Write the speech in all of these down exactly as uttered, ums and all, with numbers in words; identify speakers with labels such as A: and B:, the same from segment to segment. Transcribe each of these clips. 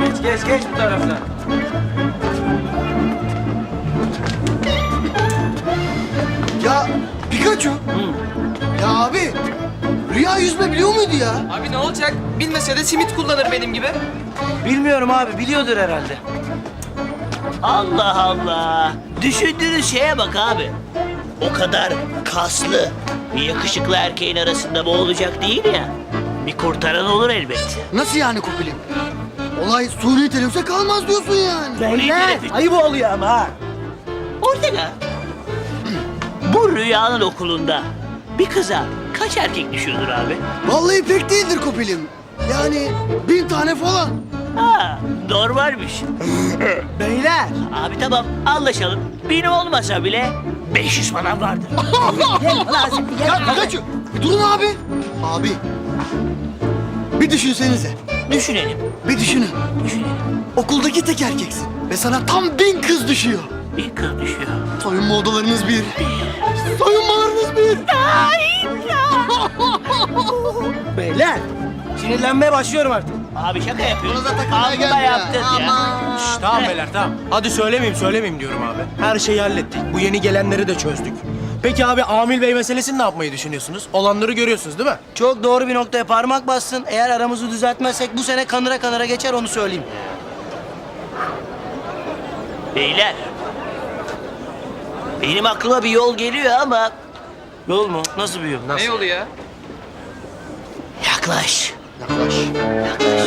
A: Geç geç geç bu taraftan.
B: Ya Pikachu. Ya abi, Rüya yüzme biliyor muydu ya?
C: Abi ne olacak? Bilmese de simit kullanır benim gibi.
A: Bilmiyorum abi, biliyordur herhalde.
D: Allah Allah. Düşündüğünüz şeye bak abi. O kadar kaslı bir yakışıklı erkeğin arasında boğulacak değil ya. Bir kurtaran olur elbet.
B: Nasıl yani Kopilim? Olay suni teneffüse kalmaz diyorsun yani.
D: Beyler,
A: Ayıp oluyor ama ha.
D: Ortega. Bu Rüya'nın okulunda bir kıza kaç erkek düşüyordur abi?
B: Vallahi pek değildir Kopilim. Yani bin tane falan.
D: Ha, normalmiş.
A: Beyler.
D: Abi tamam anlaşalım. Bin olmasa bile beş yüz falan vardır.
B: Ya Pikachu, bir durun abi. Abi, bir düşünsenize.
D: Düşünelim,
B: Bir düşünün.
D: düşünelim.
B: Okuldaki tek erkeksin ve sana tam bin kız düşüyor.
D: Bir kız düşüyor.
B: Soyunma odalarınız bir. Soyunmalarınız bir.
A: Beyler. Sinirlenmeye başlıyorum artık.
D: Abi şaka yapıyorsun.
B: Buna da takılmaya
D: Amma
B: geldi ya.
D: yaptın ya.
B: Aman.
E: Şş, tamam beyler tamam. Hadi söylemeyeyim söylemeyeyim diyorum abi. Her şeyi hallettik. Bu yeni gelenleri de çözdük. Peki abi Amil Bey meselesini ne yapmayı düşünüyorsunuz? Olanları görüyorsunuz değil mi?
A: Çok doğru bir noktaya parmak bassın. Eğer aramızı düzeltmezsek bu sene kanıra kanıra geçer, onu söyleyeyim.
D: Beyler. Benim aklıma bir yol geliyor ama
A: Yol mu? Nasıl bir yol?
C: Ne yolu ya?
D: yaklaş.
B: Yaklaş.
D: Yaklaş.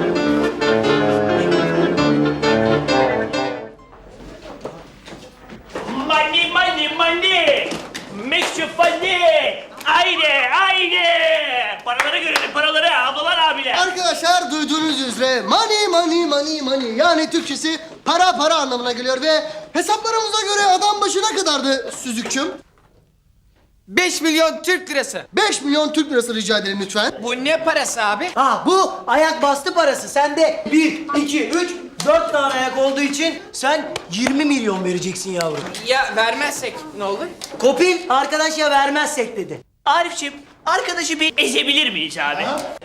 D: Money, money, money. Make you funny. Haydi, haydi. Paraları görelim, paraları. Ablalar, abiler.
B: Arkadaşlar duyduğunuz üzere money money money money yani Türkçesi para para anlamına geliyor ve hesaplarımıza göre adam başı ne kadardı Süzükçüm?
C: Beş milyon Türk lirası.
B: beş milyon Türk lirası rica ederim lütfen.
C: Bu ne parası abi?
A: Ha, bu ayak bastı parası. Sende bir, iki, üç, dört tane ayak olduğu için sen yirmi milyon vereceksin yavrum.
C: Ya vermezsek ne olur?
A: Kopil, arkadaş ya vermezsek dedi.
D: Arifçim, arkadaşı bir ezebilir miyiz abi?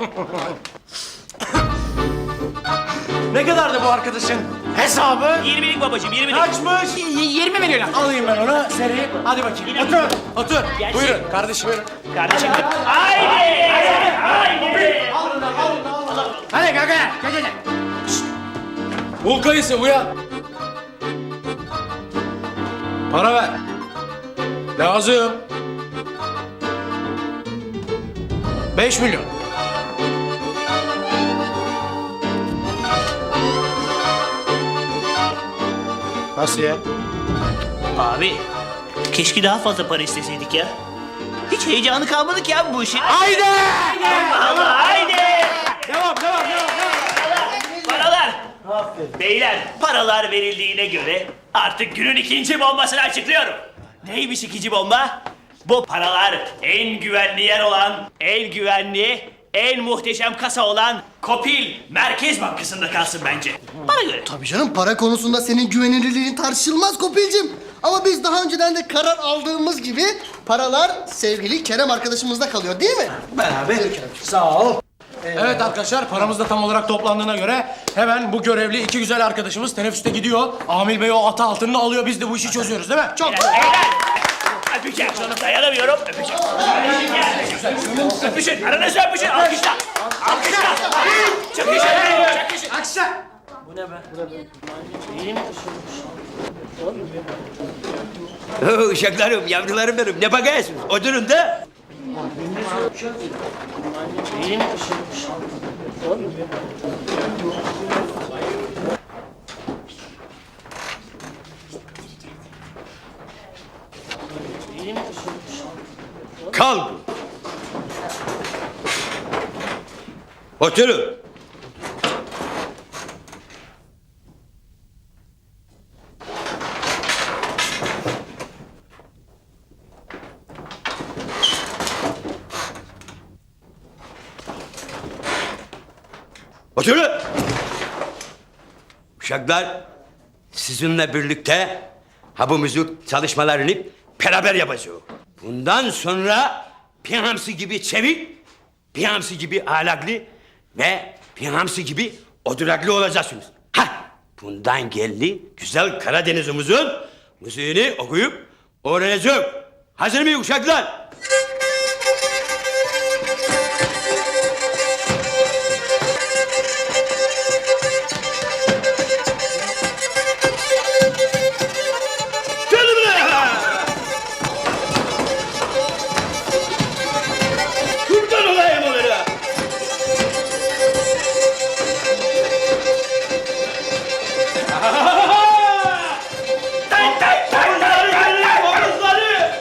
E: Ne kadardı bu arkadaşın hesabı?
D: Yirmilik babacığım, yirmilik.
E: Kaçmış?
C: yirmi milyon.
E: Alayım ben onu seri. Hadi bakayım. Otur. Otur.
D: Gelsin.
E: Buyurun kardeşim buyurun.
D: Kardeşim. Haydi! Haydi!
E: Hadi kanka. Gel gel. Bul kayısı uyan. Para ver. Lazım. Beş milyon. Nasıl ya?
D: Abi, keşke daha fazla para isteseydik ya. Hiç heyecanı kalmadı ki ya bu işin.
E: Haydi!
D: Allah Allah, haydi!
E: Devam, devam, devam, devam.
D: Paralar! Beyler, paralar verildiğine göre artık günün ikinci bombasını açıklıyorum. Neymiş ikinci bomba? Bu paralar en güvenli yer olan, en güvenli, en muhteşem kasa olan Kopil Merkez Bankası'nda kalsın bence. Bana göre.
B: Tabii canım para konusunda senin güvenilirliğin tartışılmaz Kopil'cim. Ama biz daha önceden de karar aldığımız gibi paralar sevgili Kerem arkadaşımızda kalıyor değil mi?
A: Beraber. Sağ ol.
E: Evet arkadaşlar paramız da tam olarak toplandığına göre hemen bu görevli iki güzel arkadaşımız teneffüste gidiyor. Amil Bey o ata altını alıyor biz de bu işi çözüyoruz değil mi? Çok.
D: Beyler! Öpeceğim şunu dayanamıyorum. Öpeceğim. Kardeşim gel. Öpüşün. Aranızda öpüşün. Alkışla. Alkışla. Çakışın. Çakışın.
E: Aksa.
F: Oo, uşaklarım, yavrularım benim. Ne bakıyorsunuz? Oturun da. Kalk. Oturun. Oturun. Uşaklar, sizinle birlikte ha bu müzik çalışmalarını beraber yapacağız. Bundan sonra Piyansı gibi çevik, Piyansı gibi ahlaklı ve Piyansı gibi oturaklı olacaksınız. Ha, bundan geldi güzel Karadeniz'imizin müziğini okuyup öğrenecek. Hazır mıyız uşaklar? Gelin buraya! Kurban olayım onlara!
D: Tay tay tay tay tay tay.
F: Omuzları!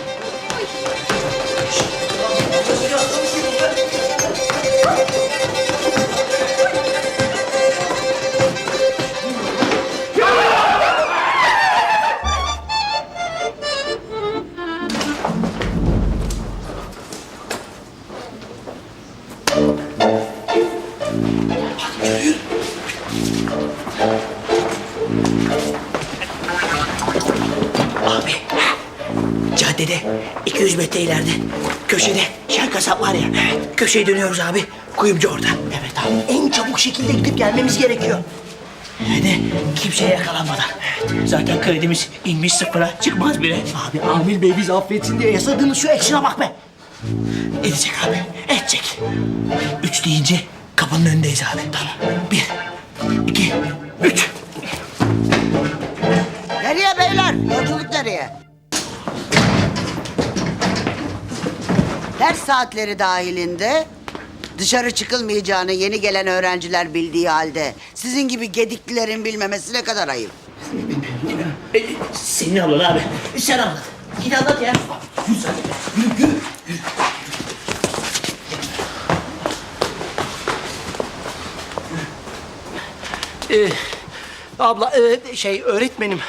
A: Abi, caddede iki yüz metre ileride köşede şer kasap var ya. Köşeye dönüyoruz abi. Kuyumcu orada. Evet abi. En çabuk şekilde gidip gelmemiz gerekiyor. Hadi kimseye yakalanmadan. Zaten kredimiz inmiş sıfıra, çıkmaz bile. Abi Amil Bey bizi affetsin diye yasadığımız şu action'a bak be. Edecek abi, edecek. Üç deyince kapının önündeyiz abi. Tamam. Bir, iki, üç.
G: Nereye beyler? Yolculuk nereye? Ders saatleri dahilinde dışarı çıkılmayacağını yeni gelen öğrenciler bildiği halde sizin gibi gediklilerin bilmemesi ne kadar ayıp.
A: E, senin ablan abi. Sen anlat. Git anlat ya. Yürü sen. Yürü, yürü. Ee, abla, e, şey öğretmenim.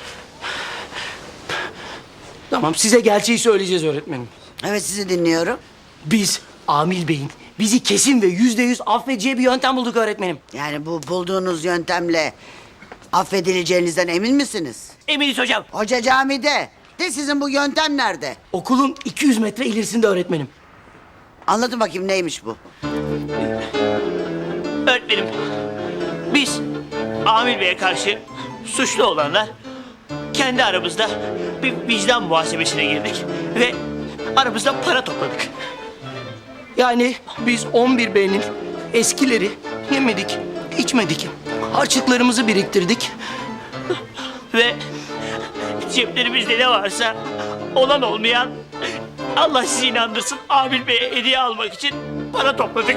A: Tamam, size gerçeği söyleyeceğiz öğretmenim.
G: Evet, sizi dinliyorum.
A: Biz Amil Bey'in bizi kesin ve yüzde yüz affedeceği bir yöntem bulduk öğretmenim.
G: Yani bu bulduğunuz yöntemle affedileceğinizden emin misiniz?
A: Eminiz hocam.
G: Hoca camide. De sizin bu yöntem nerede?
A: Okulun iki yüz metre ilerisinde öğretmenim.
G: Anlatın bakayım neymiş bu?
D: Öğretmenim, biz Amil Bey'e karşı suçlu olanlar kendi aramızda bir vicdan muhasebesine girdik ve aramızda para topladık.
A: Yani biz on bir B'nin eskileri yemedik, içmedik. Harçlıklarımızı biriktirdik.
D: Ve ceplerimizde ne varsa olan olmayan Allah sizi inandırsın Amil Bey'e hediye almak için para topladık.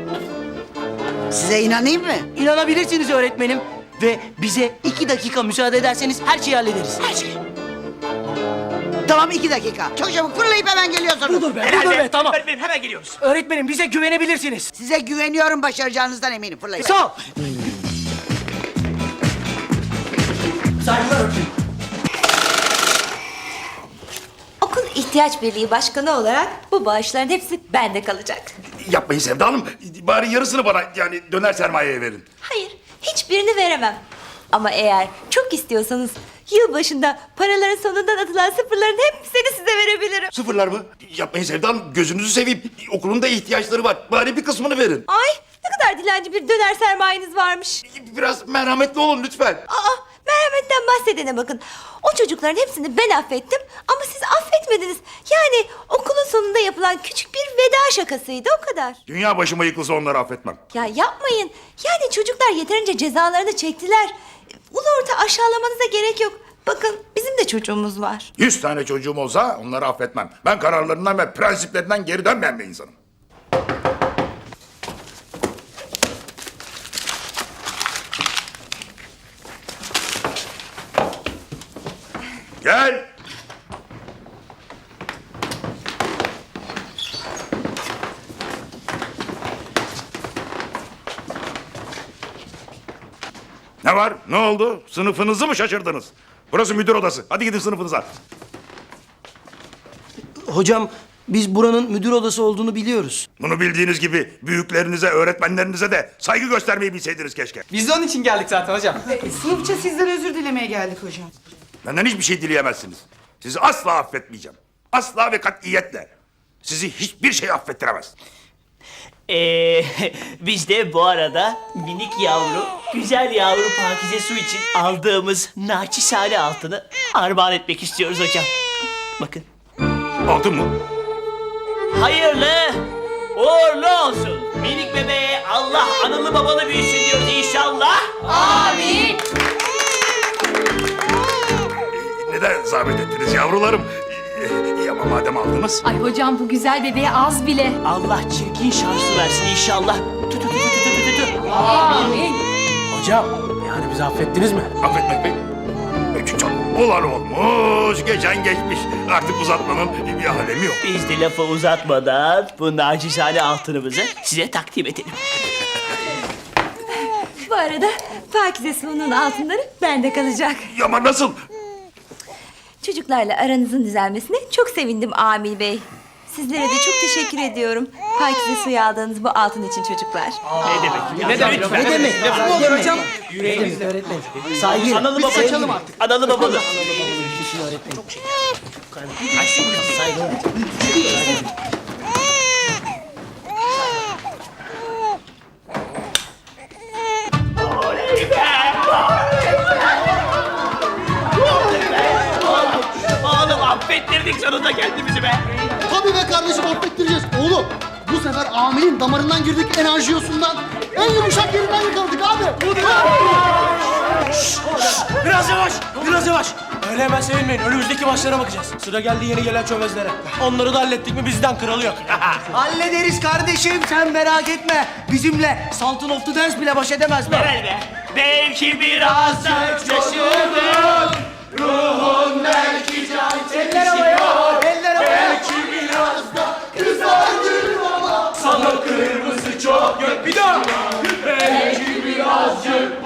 G: Size inanayım mı?
A: İnanabilirsiniz öğretmenim. Ve bize iki dakika müsaade ederseniz her şeyi hallederiz. Her şeyi.
G: Tamam, iki dakika. Çok çabuk fırlayıp hemen geliyorsunuz.
A: Dur be, dur be, tamam.
D: Öğretmenim hemen geliyoruz.
A: Öğretmenim bize güvenebilirsiniz.
G: Size güveniyorum, başaracağınızdan eminim. Fırlayın.
A: Sağ ol. Saygılar öğretmenim.
H: Okul ihtiyaç birliği başkanı olarak bu bağışların hepsi bende kalacak.
I: Yapmayın Sevda Hanım. Bari yarısını bana yani döner sermayeye verin.
H: Hayır, hiçbirini veremem. Ama eğer çok istiyorsanız yılbaşında paraların sonundan atılan sıfırların hepsini size verebilirim.
I: Sıfırlar mı? Yapmayın Sevda Hanım. Gözünüzü seveyim. Okulun da ihtiyaçları var. Bari bir kısmını verin.
H: Ay, ne kadar dilenci bir döner sermayeniz varmış.
I: Biraz merhametli olun lütfen.
H: Aa, merhametten bahsedene bakın. O çocukların hepsini ben affettim ama siz affetmediniz. Yani okulun sonunda yapılan küçük bir veda şakasıydı, o kadar.
I: Dünya başıma yıkılsa onları affetmem.
H: Ya yapmayın. Yani çocuklar yeterince cezalarını çektiler. Ulu orta aşağılamanıza gerek yok. Bakın bizim de çocuğumuz var.
I: Yüz tane çocuğum olsa onları affetmem. Ben kararlarından ve prensiplerinden geri dönmeyen bir insanım. Gel. Ne var? Ne oldu? Sınıfınızı mı şaşırdınız? Burası müdür odası. Hadi gidin sınıfınıza.
A: Hocam biz buranın müdür odası olduğunu biliyoruz.
I: Bunu bildiğiniz gibi büyüklerinize, öğretmenlerinize de saygı göstermeyi bilseydiniz keşke.
C: Biz de onun için geldik zaten hocam.
J: Sınıfça sizden özür dilemeye geldik hocam.
I: Benden hiçbir şey dileyemezsiniz. Sizi asla affetmeyeceğim. Asla ve katiyetle. Sizi hiçbir şey affettiremez.
D: Ee, biz de bu arada minik yavru, güzel yavru Pakize Su için aldığımız naçizane altını armağan etmek istiyoruz hocam. Bakın.
I: Altın mı?
D: Hayırlı, uğurlu olsun. Minik bebeğe Allah analı babalı büyüsün diyoruz inşallah.
I: Ee, Neden zahmet ettiniz yavrularım? Ee, iyi ama madem aldınız.
J: Ay hocam bu güzel bebeğe az bile.
D: Allah çirkin şansı versin inşallah. Tü tü tü tü tü tü tü tü.
E: Hocam yani bizi affettiniz mi?
I: Affetmek mi? Çok olan olmuş, geçen geçmiş. Artık uzatmanın bir alemi yok.
D: Biz de lafı uzatmadan bu nacizane altınımızı size takdim edelim.
H: Bu arada Pakize Su'nun altınları bende kalacak.
I: Ama nasıl?
H: Çocuklarla aranızın düzelmesine çok sevindim Amil Bey. Sizlere de çok teşekkür ediyorum. Pakize Su'yu aldığınız bu altın için çocuklar.
D: Ne demek?
C: Ne demek?
D: Lütfen.
A: Ne demek?
C: Lafı olur hocam.
A: Saygı.
D: Analı babalı. Analı babalı. Oğlum affettirdik sonunda kendimizi be.
B: Tabii be kardeşim affettireceğiz. Oğlum bu sefer Amil'in damarından girdik enerjiyosundan. En yumuşak yerinden yakaladık abi.
E: Biraz yavaş, biraz yavaş. Öyle hemen sevinmeyin. Önümüzdeki maçlara bakacağız. Sıra geldi yeni gelen çömezlere. Onları da hallettik mi bizden kralı yok.
A: Hallederiz kardeşim sen merak etme. Bizimle Sultan of the Dance bile baş edemez be.
D: Gel be. Belki birazcık şaşırdım.
A: Eller havaya. Eller havaya.
E: Sana kırmızı çok gök bir daha. Belki birazcık